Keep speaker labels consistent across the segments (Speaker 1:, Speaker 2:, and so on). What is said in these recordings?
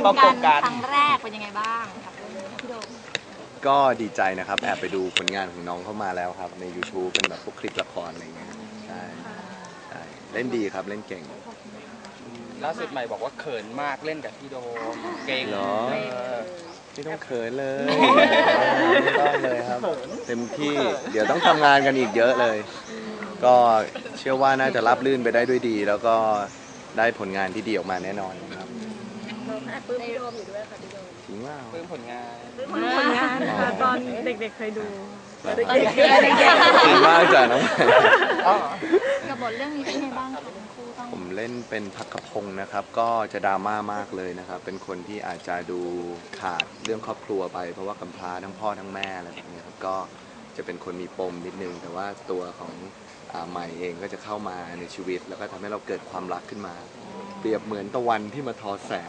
Speaker 1: ประกบกันครั้งแรกเป็นยังไงบ้างครับพี่โดม
Speaker 2: ก็ดีใจนะครับแอบไปดูผลงานของน้องเข้ามาแล้วครับใน YouTube เป็นแบบพวกคลิปละครอะไรเงี้ยใช่ใช่เล่นดีครับเล่นเก่ง
Speaker 3: ล่าสุดใหม่บอกว่าเขินมากเล่นกับพี่โดมเก่ง
Speaker 2: เหรอไม่ต้องเขินเลยไม่ต้องเลยครับเต็มที่เดี๋ยวต้องทำงานกันอีกเยอะเลยก็เชื่อว่าน่าจะรับลื่นไปได้ด้วยดี แล้วก็ได้ผลงานที่ดีออกมาแน่นอนครับ
Speaker 1: เราแอบปลื้มพี่โดมอยู่ด้วยค่ะพี่โดม
Speaker 2: จริงว่า
Speaker 3: ปลื้มผลงาน
Speaker 4: ค่ะตอนเด็กๆเคยดู
Speaker 2: จริงมากจ้ะน้อง
Speaker 1: กับบทเรื่องนี้เป็นไงบ้างคะทั้งคู่ต้อง
Speaker 2: ผมเล่นเป็นพักกพงศ์นะครับก็จะดราม่ามากเลยนะครับเป็นคนที่อาจจะดูขาดเรื่องครอบครัวไปเพราะว่ากำพร้าทั้งพ่อทั้งแม่อะไรแบบนี้ครับก็จะเป็นคนมีปมนิดนึงแต่ว่าตัวของใหม่เองก็จะเข้ามาในชีวิตแล้วก็ทำให้เราเกิดความรักขึ้นมาเปรียบเหมือนตะวันที่มาทอแสง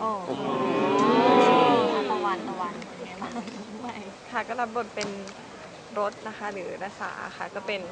Speaker 1: ตะวันเป็นไงบ้าง
Speaker 4: ค่ะก็รับบทเป็นรถนะคะหรือรสาค่ะก็เป็น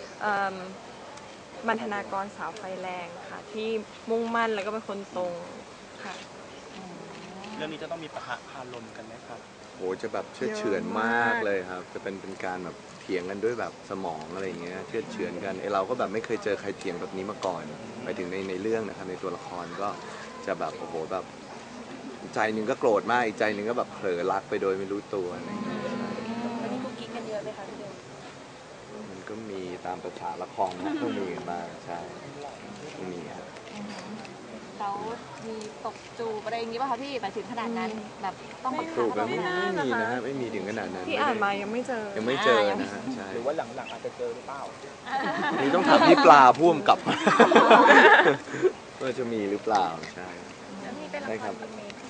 Speaker 4: บรรณาธิการสาวไฟแรงค่ะที่มุ่งมั่นแล้วก็เป็นคนตรงค่ะ
Speaker 3: เรื่องนี้จะต้องมีปะทะคารมกันไหมครับ
Speaker 2: โอ้จะแบบเชื่อเฉือนมากเลยครับจะเป็นการแบบเถียงกันด้วยแบบสมองอะไรอย่างเงี้ยเชื่อเฉือนกันเราก็แบบไม่เคยเจอใครเถียงแบบนี้มาก่อนไปถึงในเรื่องนะครับในตัวละครก็จะแบบโอ้โหแบบใจหนึ่งก็โกรธมากอีกใจหนึ่งก็แบบเผลอรักไปโดยไม่รู้ตัวอะไรอย่างเงี้ย
Speaker 1: วันนี้กุ๊กกิ๊กกันเยอะไหมคะพี่โดม
Speaker 2: มันก็มีตามประสาละครนะต้องมีกันบ้างใช่ต้องมีครับ
Speaker 1: แล้วมีตกจูบอะไรอย่างนี้ป่ะคะพี่ไปถึงขนาดนั้นแบบต้องบังคับ
Speaker 2: จูบแล้วไม่มีนะฮะไม่มีถึงขนาดนั้น
Speaker 4: ที่อ่านมายังไม่เจอ
Speaker 2: นะฮะใช่
Speaker 3: หรือว่าหลังๆอาจจะเจอหรือเปล่า
Speaker 2: นี่ต้องถามพี่ปลาพ่วงกับว่าจะมีหรือเปล่าใช่ใช่ครับ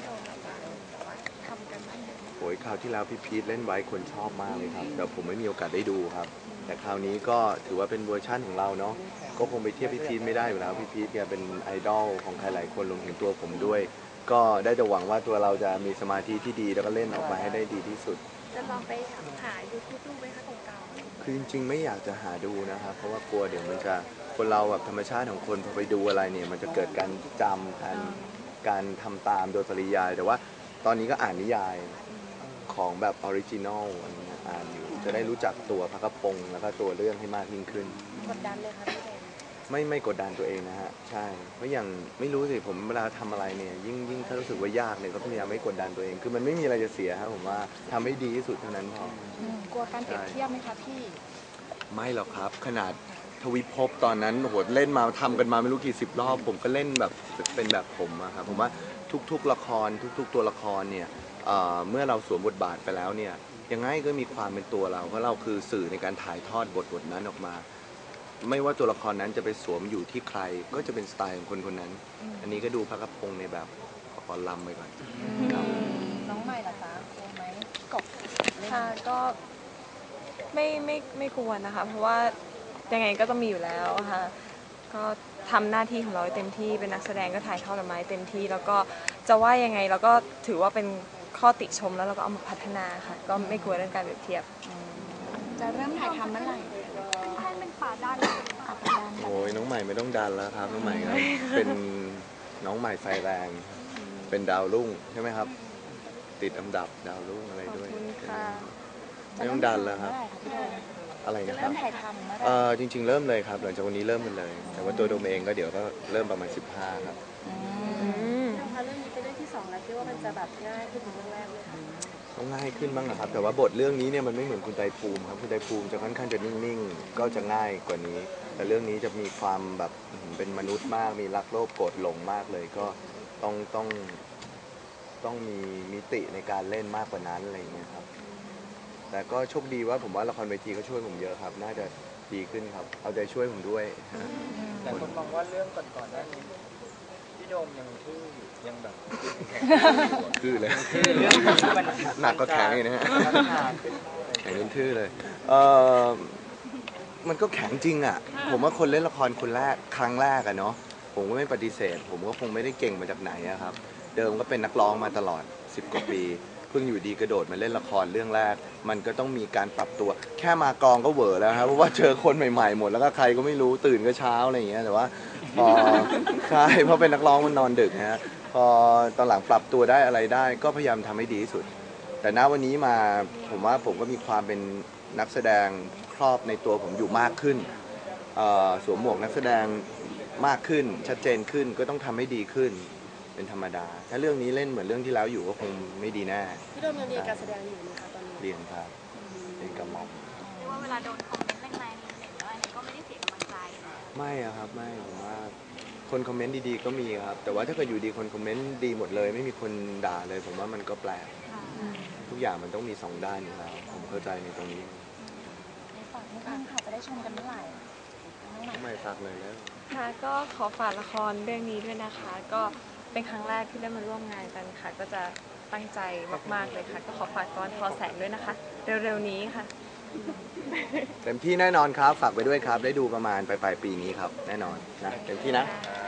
Speaker 2: โอ้ยคราวที่แล้วพี่พีทเล่นไว้คนชอบมากเลยครับแต่ผมไม่มีโอกาสได้ดูครับแต่คราวนี้ก็ถือว่าเป็นเวอร์ชั่นของเราเนาะก็คงไปเทียบพี่พีทไม่ได้อยู่แล้วพี่พีทแกเป็นไอดอลของใครหลายคนรวมถึงตัวผมด้วยก็ได้แต่หวังว่าตัวเราจะมีสมาธิที่ดีแล้วก็เล่นออกมาให้ได้ดีที่สุด
Speaker 1: จะลองไปหายูทูบดูไหมคะเก่า
Speaker 2: ๆคือจริงๆไม่อยากจะหาดูนะครับเพราะว่ากลัวเดี๋ยวมันจะคนเราแบบธรรมชาติของคนพอไปดูอะไรเนี่ยมันจะเกิดการจำการทำตามโดยปริยายแต่ว่าตอนนี้ก็อ่านนิยายของแบบออริจินอลอ่านอยู่จะได้รู้จักตัวพระกพงศ์แล้วก็ตัวเรื่องให้มากยิ่งขึ้น
Speaker 1: กดดันเลยค่ะพี่เดม
Speaker 2: ไม่กดดันตัวเองนะฮะใช่เพราะอย่างไม่รู้สิผมเวลาทำอะไรเนี่ยยิ่งถ้ารู้สึกว่ายากเนี่ยก็พยายามไม่กดดันตัวเองคือมันไม่มีอะไรจะเสียครับผมว่าทำให้ดีที่สุดเท่านั้นพ
Speaker 1: อกลัวการเปรียบเทียบไหมคะพี่
Speaker 2: ไม่หรอกครับขนาดทวิภพตอนนั้นโหเล่นมาทำกันมาไม่รู้กี่สิบรอบผมก็เล่นแบบเป็นแบบผมอะครับผมว่าทุกๆละครทุกๆตัวละครเนี่ยเมื่อเราสวมบทบาทไปแล้วเนี่ยยังไงก็มีความเป็นตัวเราเพราะเราคือสื่อในการถ่ายทอดบทนั้นออกมาไม่ว่าตัวละครนั้นจะไปสวมอยู่ที่ใครก็จะเป็นสไตล์ของคนคนนั้นอันนี้ก็ดูพระกพงศ์ในแบบขอลำไปก่อน
Speaker 1: น้องใหม่ล่ะจ๊ะกลัวไหมกบ
Speaker 4: ค่ะก็ไม่กลัวนะคะเพราะว่ายังไงก็ต้องมีอยู่แล้วค่ะก็ทำหน้าที่ของเราเต็มที่เป็นนักแสดงก็ถ่ายทอดออกมาเต็มที่แล้วก็จะว่ายังไงเราก็ถือว่าเป็นข้อติชมแล้วเราก็เอามาพัฒนาค่ะก็ไม่กลัวเรื่องการเปรียบเทียบ
Speaker 1: จะเริ่มถ่ายทำเมื่อไหร่ให้เป็นป่าด้าน
Speaker 2: โอ้ยน้องใหม่ไม่ต้องดันแล้วครับน้องใหม่ครับเป็นน้องใหม่ไฟแรงเป็นดาวรุ่งใช่ไหมครับติดอันดับดาวรุ่งอะไรด้วยไม่ต้องดันแล้วครับอะไรนะครับจริงๆเริ่มเลยครับหลังจากวันนี้เริ่มกันเลยแต่ว่าตัวโดมเองก็เดี๋ยวก็เริ่มประมาณ15ครับ
Speaker 1: เรื่องนี้เป็นเรื่องที่2แล้วคิดว่ามันจะแบบง่ายขึ้นเรื่องแรกเลย
Speaker 2: ต้องง่ายขึ้นบ้างนะครับแต่ว่าบทเรื่องนี้เนี่ยมันไม่เหมือนคุณไตรภูมิครับคุณไตรภูมิจะค่อนข้างจะนิ่งๆก็จะง่ายกว่านี้แต่เรื่องนี้จะมีความแบบเป็นมนุษย์มากมีรักโลภโกรธหลงมากเลยก็ต้องมีมิติในการเล่นมากกว่านั้นอะไรอย่างเงี้ยครับแต่ก็โชคดีว่าผมว่าละครเวทีก็ช่วยผมเยอะครับน่าจะดีขึ้นครับเอาใจช่วยผมด้วย
Speaker 3: แต่คนมองว่าเรื่องก่อนหน้านี้พี่โดมยังทื่อยังแบบ
Speaker 2: ทื่อเลยหนักก็แข็งเลยนะฮะแข็งจนทื่อเลยมันก็แข็งจริงอ่ะผมว่าคนเล่นละครคนแรกครั้งแรกอะเนาะผมก็ไม่ปฏิเสธผมก็คงไม่ได้เก่งมาจากไหนอะครับเดิมก็เป็นนักร้องมาตลอด10 กว่าปีเพิ่งอยู่ดีกระโดดมาเล่นละครเรื่องแรกมันก็ต้องมีการปรับตัวแค่มากองก็เหวอแล้วครับเพราะว่าเจอคนใหม่ๆหมดแล้วก็ใครก็ไม่รู้ตื่นก็เช้าอะไรอย่างเงี้ยแต่ว่าพอใช่เพราะเป็นนักร้องมันนอนดึกนะฮะพพอตอนหลังปรับตัวได้อะไรได้ก็พยายามทำให้ดีที่สุด แต่ณวันนี้มาผมว่าผมก็มีความเป็นนักแสดงครอบในตัวผมอยู่มากขึ้นสวมหมวกนักแสดงมากขึ้นชัดเจนขึ้นก็ต้องทำให้ดีขึ้นเป็นธรรมดา ถ้าเรื่องนี้เล่นเหมือนเรื่องที่แล้วอยู่ก็คงไม่ดีแน่
Speaker 5: พี่โดมยังเรียนการแสดงอยู่ไหมคะตอนนี้
Speaker 2: เรียนครับเรียนกับหมอม
Speaker 1: เรียกว่าเวลาโดนคอมเมนต์แรงๆในเน็ตหรืออะไรก็ไม่ได้เสียกำลังใจ
Speaker 2: ไม่อะครับไม่ผมว่าคนคอมเมนต์ดีๆก็มีครับแต่ว่าถ้าเกิดอยู่ดีคนคอมเมนต์ดีหมดเลยไม่มีคนด่าเลย ผมว่ามันก็แปลกทุกอย่างมันต้องมีสองด้านอยู่แล้วผมเข้าใจในตรงนี้
Speaker 1: ในฝากนิดนึงค่ะจะได้ชมกันเมื่อไหร่
Speaker 2: ไม่ฝากเลยแล้ว
Speaker 4: ค่ะก็ขอฝากละครเรื่องนี้ด้วยนะคะ ก็เป็นครั้งแรกที่ได้มาร่วมงานกันค่ะ ก็จะตั้งใจมากๆเลยค่ะ ก็ขอฝากตอนทอแสงด้วยนะคะ เร็วๆนี้ค่ะ
Speaker 2: เต็มที่แน่นอนครับฝากไปด้วยครับได้ดูประมาณปลายปีนี้ครับแน่นอนนะเต็มที่นะ
Speaker 1: ค